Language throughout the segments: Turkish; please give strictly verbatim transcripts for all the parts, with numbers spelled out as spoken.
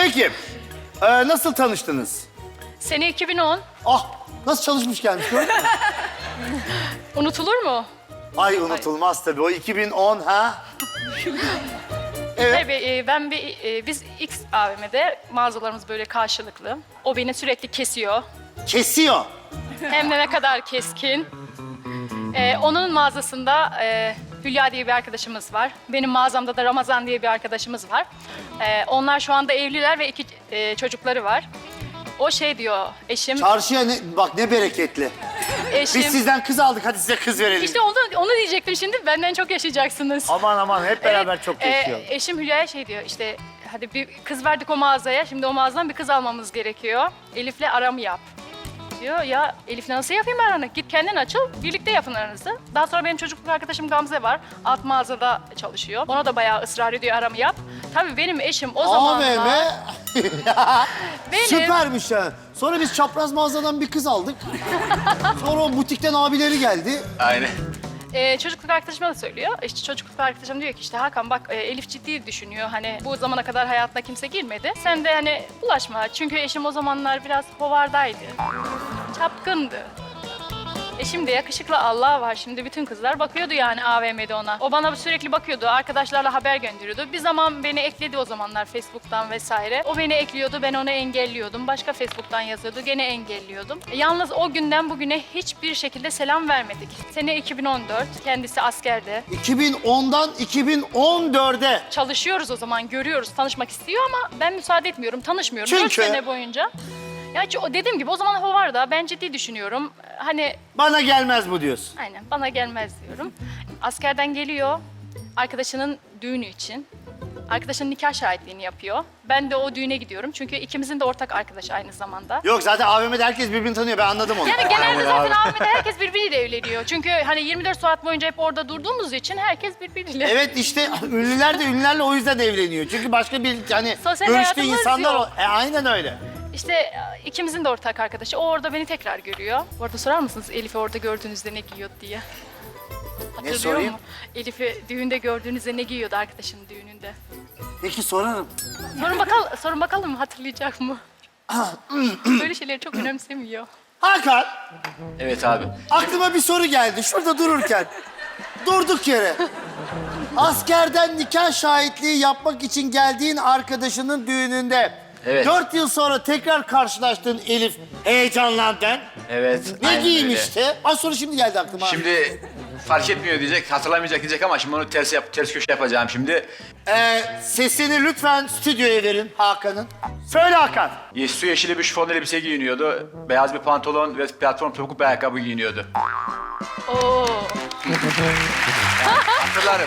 Peki, e, nasıl tanıştınız? Sene iki bin on. Ah, nasıl çalışmış gelmiş gördün mü? Unutulur mu? Ay unutulmaz tabii, o iki bin on ha? Evet. Tabii e, ben bir, e, biz X A V M'de mağazalarımız böyle karşılıklı. O beni sürekli kesiyor. Kesiyor. Hem de ne kadar keskin. E, onun mağazasında e, Hülya diye bir arkadaşımız var. Benim mağazamda da Ramazan diye bir arkadaşımız var. E, onlar şu anda evliler ve iki e, çocukları var. O şey diyor, eşim... Çarşıya ne, bak ne bereketli. eşim Biz sizden kız aldık, hadi size kız verelim. İşte onu, onu diyecektim şimdi, benden çok yaşayacaksınız. Aman aman, hep beraber Evet, çok e, yaşayalım. eşim Hülya'ya şey diyor, işte hadi bir kız verdik o mağazaya, şimdi o mağazadan bir kız almamız gerekiyor. Elif'le aramı yap. Diyor ya Elif'le nasıl yapayım aranı? Git kendin açıl, birlikte yapın aranızı. Daha sonra benim çocukluk arkadaşım Gamze var. Alt mağazada çalışıyor. Ona da bayağı ısrar ediyor aramı yap. Tabii benim eşim o zamanlar... A V M. Benim- Süpermiş ha. Sonra biz çapraz mağazadan bir kız aldık. Sonra o butikten abileri geldi. Aynen. Ee, çocukluk arkadaşıma da söylüyor. İşte çocukluk arkadaşım diyor ki işte Hakan bak e, Elif ciddi düşünüyor. Hani bu zamana kadar hayatına kimse girmedi. Sen de hani bulaşma. Çünkü eşim o zamanlar biraz hovardaydı. Çapkındı. Eşim de yakışıklı Allah var. Şimdi bütün kızlar bakıyordu yani A V M'de ona. O bana sürekli bakıyordu. Arkadaşlarla haber gönderiyordu. Bir zaman beni ekledi o zamanlar Facebook'tan vesaire. O beni ekliyordu. Ben onu engelliyordum. Başka Facebook'tan yazıyordu. Gene engelliyordum. E, yalnız o günden bugüne hiçbir şekilde selam vermedik. Sene iki bin on dört. Kendisi askerde. iki bin ondan iki bin on dörde. Çalışıyoruz o zaman. Görüyoruz. Tanışmak istiyor ama ben müsaade etmiyorum. Tanışmıyorum. Çünkü- Dört sene boyunca. Ya ço- dediğim gibi o zaman o var da ben ciddi düşünüyorum. Hani Bana gelmez bu diyorsun. aynen bana gelmez diyorum. Askerden geliyor arkadaşının düğünü için. Arkadaşının nikah şahitliğini yapıyor. Ben de o düğüne gidiyorum çünkü ikimizin de ortak arkadaşı aynı zamanda. Yok zaten A V M'de herkes birbirini tanıyor, ben anladım onu. Yani genelde zaten A V M'de herkes birbiriyle evleniyor. Çünkü hani yirmi dört saat boyunca hep orada durduğumuz için herkes birbiriyle. Evet işte ünlüler de ünlülerle o yüzden evleniyor. Çünkü başka bir hani Sosyal görüştüğü hayatımız insanlar yok. o. E, aynen öyle. İşte ikimizin de ortak arkadaşı. O orada beni tekrar görüyor. Bu arada sorar mısınız Elif'i orada gördüğünüzde ne giyiyordu diye? Hatırlıyor sorayım? mu? Elif'i düğünde gördüğünüzde ne giyiyordu arkadaşının düğününde? Peki sorarım. Sorun bakalım, sorun bakalım hatırlayacak mı? Böyle şeyleri çok önemsemiyor. Hakan, Evet abi. aklıma bir soru geldi şurada dururken. Durduk yere. Askerden nikah şahitliği yapmak için geldiğin arkadaşının düğününde... Evet. Dört yıl sonra tekrar karşılaştığın Elif heyecanlandın. Evet. Ne aynen giymişti? Az sonra şimdi geldi aklıma. öyle. Şimdi fark etmiyor diyecek, hatırlamayacak diyecek ama şimdi onu ters yap, ters köşe yapacağım şimdi. Ee, sesini lütfen stüdyoya verin Hakan'ın. Söyle Hakan. Ye- Su yeşili bir şifon elbise giyiniyordu. Beyaz bir pantolon ve platform topuklu bir ayakkabı giyiniyordu. Oo. Hatırlarım.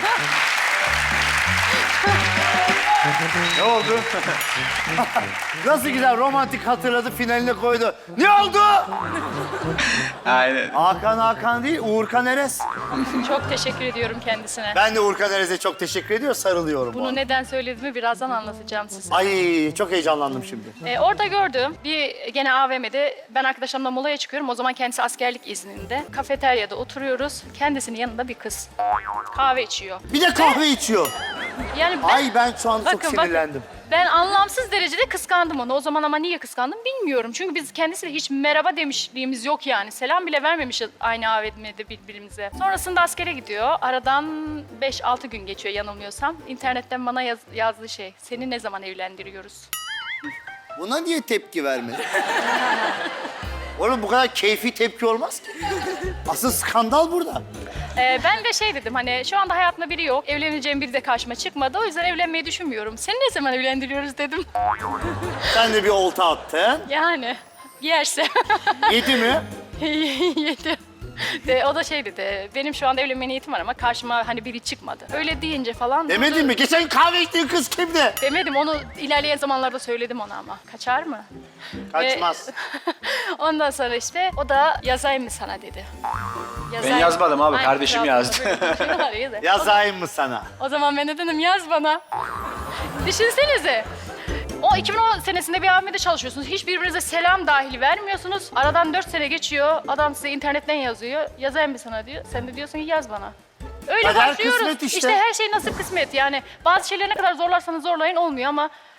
Ne oldu? Nasıl güzel romantik hatırladı, finaline koydu. Ne oldu? Aynen. Hakan Hakan değil, Uğurkan Erez. Çok teşekkür ediyorum kendisine. Ben de Uğurkan Erez'e çok teşekkür ediyor, sarılıyorum. Bunu ona. neden söylediğimi birazdan anlatacağım size. Ay çok heyecanlandım şimdi. Ee, orada gördüm. Bir gene A V M'de ben arkadaşlarımla molaya çıkıyorum. O zaman kendisi askerlik izninde. Kafeteryada oturuyoruz. Kendisinin yanında bir kız. Kahve içiyor. Bir de kahve içiyor. Yani ben, Ay ben şu an çok Bakın, bakın. sinirlendim. Ben anlamsız derecede kıskandım onu. O zaman ama niye kıskandım bilmiyorum. Çünkü biz kendisiyle hiç merhaba demişliğimiz yok yani. Selam bile vermemişiz aynı A V M'de birbirimize. Sonrasında askere gidiyor. Aradan beş altı gün geçiyor yanılmıyorsam. İnternetten bana yaz, yazdığı şey. Seni ne zaman evlendiriyoruz? Buna niye tepki vermedi? Oğlum bu kadar keyfi tepki olmaz ki. Asıl skandal burada. Ee, ben de şey dedim hani şu anda hayatımda biri yok. Evleneceğim biri de karşıma çıkmadı. O yüzden evlenmeyi düşünmüyorum. Seni ne zaman evlendiriyoruz dedim. Sen de bir olta attın. Yani yerse. Yedi mi? Yedi. De, o da şey dedi, benim şu anda evlenme niyetim var ama karşıma hani biri çıkmadı. Öyle deyince falan... Demedin durdu. mi? Geçen kahve içtiğin kız kimdi? Demedim, onu ilerleyen zamanlarda söyledim ona ama. Kaçar mı? Kaçmaz. Ve ondan sonra işte o da yazayım mı sana dedi. Yazayım. yazmadım abi, Ay, kardeşim yazdı. Şunu var ya da. Yazayım mı sana? O zaman ben de dedim yaz bana. Düşünsenize. O iki bin on senesinde bir A V M'de çalışıyorsunuz. Hiç birbirinize selam dahil vermiyorsunuz. Aradan dört sene geçiyor. Adam size internetten yazıyor. Yazayım mı sana diyor. Sen de diyorsun ki yaz bana. Öyle Kader başlıyoruz. kısmet işte. İşte her şey nasip kısmet. Yani bazı şeyleri ne kadar zorlarsanız zorlayın olmuyor ama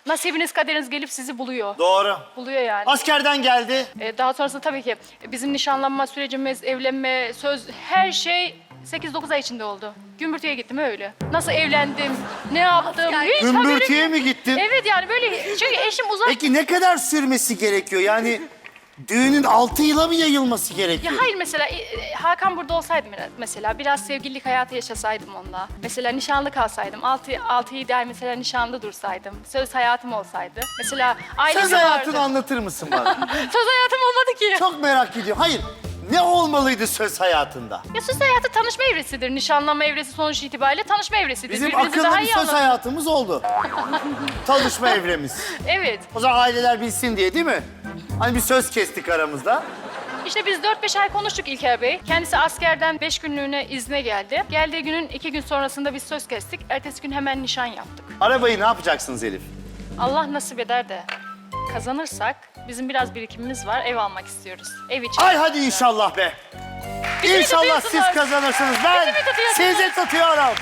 Nasibiniz kaderiniz gelip sizi buluyor. Doğru. Buluyor yani. Askerden geldi. Ee, daha sonrasında tabii ki bizim nişanlanma sürecimiz, evlenme, söz her şey sekiz dokuz ay içinde oldu. Gümbürtüye gittim öyle. Nasıl evlendim, ne yaptım hiç Gümbürtüye haberim- mi gittin? Evet yani böyle çünkü eşim uzak. Peki ne kadar sürmesi gerekiyor? Yani düğünün altı yıla mı yayılması Ya gerekiyor? hayır mesela e, Hakan burada olsaydı mesela biraz sevgililik hayatı yaşasaydım onunla. Mesela nişanlı kalsaydım, altı, altı yedi ay mesela nişanlı dursaydım. Söz hayatım olsaydı. Mesela ailesi Söz vardı. hayatını anlatır mısın bana? Söz hayatım olmadı ki. Çok merak ediyorum. Hayır, ne olmalıydı söz hayatında? Ya söz hayatı tanışma evresidir. Nişanlanma evresi sonuç itibariyle tanışma evresidir. Bizim Birbirinizi akıllı daha bir iyi söz anladınız. hayatımız oldu. Tanışma evremiz. Evet. O zaman aileler bilsin diye değil mi? Hani bir söz kestik aramızda. İşte biz dört beş ay konuştuk İlker Bey. Kendisi askerden beş günlüğüne izne geldi. Geldiği günün iki gün sonrasında biz söz kestik. Ertesi gün hemen nişan yaptık. Arabayı ne yapacaksınız Elif? Allah nasip eder de kazanırsak bizim biraz birikimimiz var. Ev almak istiyoruz. Ev için. Ay hadi inşallah be. Bizi mi İnşallah siz tutuyorsunuz? kazanırsınız. Ben Bizi mi tutuyorsunuz? sizi tutuyorum.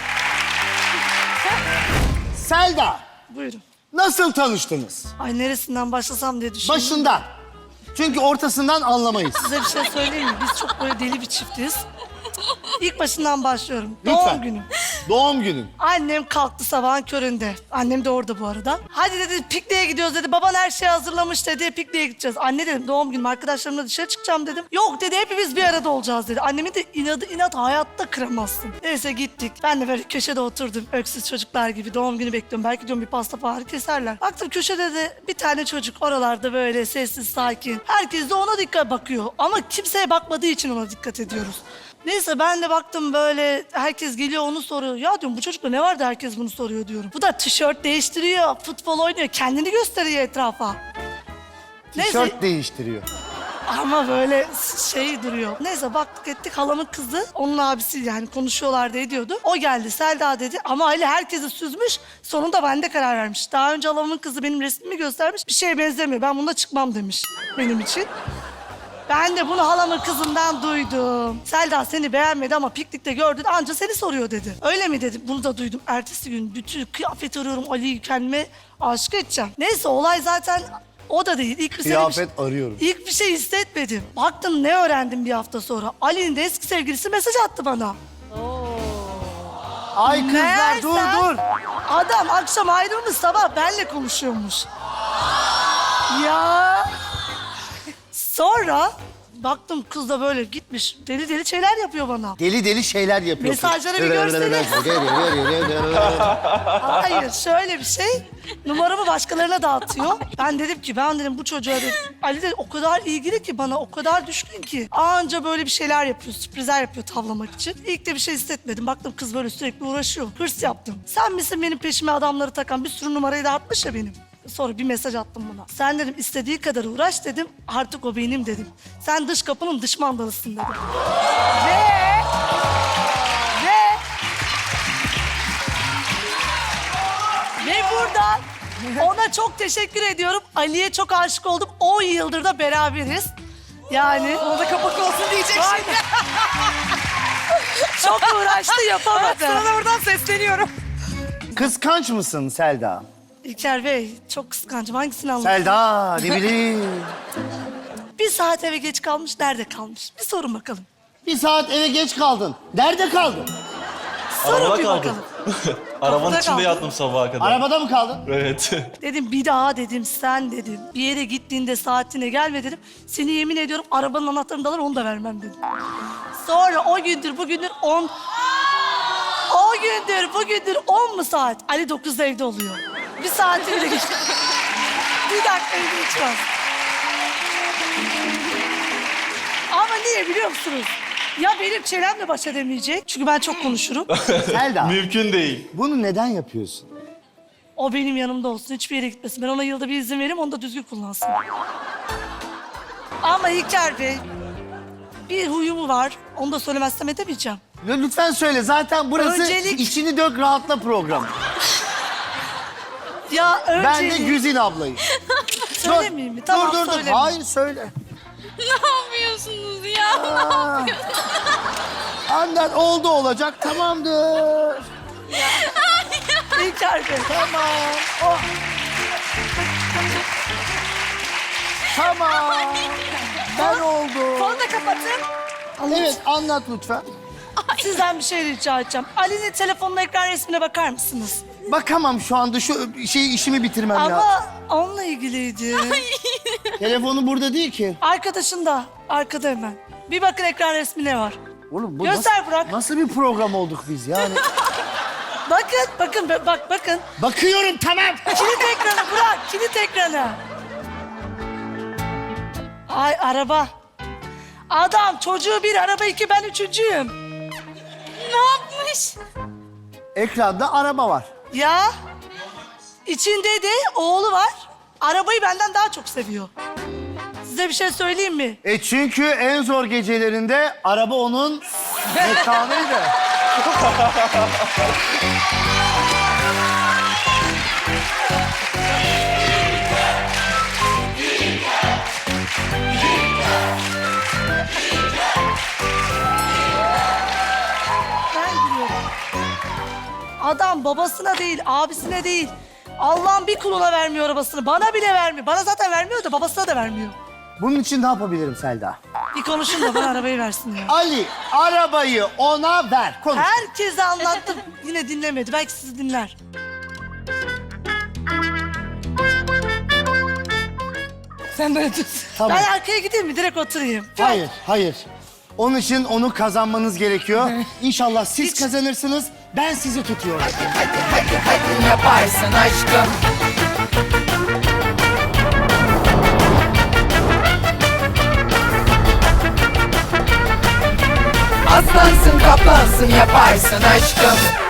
Selda, Buyurun. nasıl tanıştınız? Ay neresinden başlasam diye düşündüm. Başından. Çünkü ortasından anlamayız. Size bir şey söyleyeyim mi? Biz çok böyle deli bir çiftiz. İlk başından başlıyorum. Lütfen. Doğum günüm. Doğum günün. Annem kalktı sabahın köründe. Annem de orada bu arada. Hadi dedi pikniğe gidiyoruz dedi. Baban her şeyi hazırlamış dedi. Pikniğe gideceğiz. Anne dedim doğum günüm arkadaşlarımla dışarı çıkacağım dedim. Yok dedi hepimiz bir arada olacağız dedi. Annemin de inadı inat hayatta kıramazsın. Neyse gittik. Ben de böyle köşede oturdum. Öksüz çocuklar gibi doğum günü bekliyorum. Belki diyorum bir pasta falan keserler. Baktım köşede de bir tane çocuk oralarda böyle sessiz sakin. Herkes de ona dikkat bakıyor. Ama kimseye bakmadığı için ona dikkat ediyoruz. Neyse ben de baktım böyle herkes geliyor onu soruyor. Ya diyorum bu çocukta ne vardı herkes bunu soruyor diyorum. Bu da tişört değiştiriyor, futbol oynuyor, kendini gösteriyor etrafa. Tişört değiştiriyor. Ama böyle şey duruyor. Neyse baktık ettik halamın kızı, onun abisi yani konuşuyorlardı ediyordu. O geldi Selda dedi ama Ali herkesi süzmüş. Sonunda bende karar vermiş. Daha önce halamın kızı benim resmimi göstermiş. Bir şeye benzemiyor ben bunda çıkmam demiş benim için. Ben de bunu halamın kızından duydum. Selda seni beğenmedi ama piknikte gördün anca seni soruyor dedi. Öyle mi dedim. Bunu da duydum. Ertesi gün bütün kıyafet arıyorum Ali'yi kendime aşık edeceğim. Neyse olay zaten o da değil. İlk bir Kıyafet şey, arıyorum. İlk bir şey hissetmedim. Baktım ne öğrendim bir hafta sonra. Ali'nin de eski sevgilisi mesaj attı bana. Ay kızlar Meğerse dur dur. Adam akşam ayrılmış sabah benle konuşuyormuş. Ya. Sonra baktım kız da böyle gitmiş deli deli şeyler yapıyor bana. Deli deli şeyler yapıyor. Mesajları bir görsene. Hayır şöyle bir şey. Numaramı başkalarına dağıtıyor. Ben dedim ki ben dedim bu çocuğa dedim. Ali de o kadar ilgili ki bana o kadar düşkün ki. Anca böyle bir şeyler yapıyor sürprizler yapıyor tavlamak için. İlk de bir şey hissetmedim. Baktım kız böyle sürekli uğraşıyor. Hırs yaptım. Sen misin benim peşime adamları takan bir sürü numarayı dağıtmış ya benim. Sonra bir mesaj attım buna. Sen dedim istediği kadar uğraş dedim. Artık o benim dedim. Sen dış kapının dış mandalısın dedim. Ve... Ve... Ve buradan ona çok teşekkür ediyorum. Ali'ye çok aşık oldum. on yıldır da beraberiz. Yani... Ona da kapak olsun diyecek şimdi. Çok uğraştı yapamadı. Sana buradan sesleniyorum. Kıskanç mısın Selda? İlker Bey çok kıskancım. Hangisini anlatayım? Selda ne bileyim. Bir saat eve geç kalmış, nerede kalmış? Bir sorun bakalım. Bir saat eve geç kaldın. Nerede kaldın? Sorun Arabada bir kaldım. bakalım. Arabanın Kapıda içinde kaldım. yattım sabaha kadar. Arabada mı kaldın? Evet. Dedim bir daha dedim sen dedim. Bir yere gittiğinde saatine gelme dedim. Seni yemin ediyorum arabanın anahtarını da alır onu da vermem dedim. Sonra o gündür bugündür on... O gündür bugündür on mu saat? Ali dokuzda evde oluyor. Bir saati bile geçti. Bir dakika bile geçmez. Ama niye biliyor musunuz? Ya benim çenemle baş edemeyecek. Çünkü ben çok konuşurum. Selda Mümkün değil. bunu neden yapıyorsun? O benim yanımda olsun. Hiçbir yere gitmesin. Ben ona yılda bir izin vereyim. Onu da düzgün kullansın. Ama İlker Bey... Bir huyumu var. Onu da söylemezsem edemeyeceğim. Ya lütfen söyle zaten burası Öncelik- içini dök rahatla programı. Ya önce... Ben de Güzin ablayım. Söylemeyeyim mi? Tamam dur dur dur. söylemeyeyim. Hayır söyle. Ne yapıyorsunuz ya? Aa. Annen oldu olacak tamamdır. İlker Bey. Tamam. Oh. Tamam. Ben oldum. Fonu da kapatın. Anlat. Evet anlat lütfen. Sizden bir şey rica edeceğim. Ali'nin telefonun ekran resmine bakar mısınız? Bakamam şu anda şu şey işimi bitirmem lazım. Ama onunla ilgiliydi. Telefonu burada değil ki. Arkadaşın da arkada hemen. Bir bakın ekran resmine var. Oğlum bu Göster nasıl, Burak. nasıl bir program olduk biz yani? Bakın, bakın, bak, bakın. Bakıyorum tamam. Kilit ekranı Burak, kilit ekranı. Ay araba. Adam çocuğu bir, araba iki, ben üçüncüyüm. Ne yapmış? Ekranda araba var. Ya içinde de oğlu var. Arabayı benden daha çok seviyor. Size bir şey söyleyeyim mi? E çünkü en zor gecelerinde araba onun mekanıydı. Ben gülüyorum. Adam babasına değil, abisine değil. Allah'ın bir kuluna vermiyor arabasını. Bana bile vermiyor. Bana zaten vermiyor da babasına da vermiyor. Bunun için ne yapabilirim Selda? Bir konuşun da bana arabayı versin ya. Ali arabayı ona ver. Konuş. Herkese anlattım. Yine dinlemedi. Belki sizi dinler. Sen böyle tut. Tamam. Ben arkaya gideyim mi? Direkt oturayım. Hayır, hayır. Onun için onu kazanmanız gerekiyor. İnşallah siz Hiç- kazanırsınız. Ben sizi tutuyorum. Yaparsın aşkım. Aslansın kaplansın yaparsın aşkım.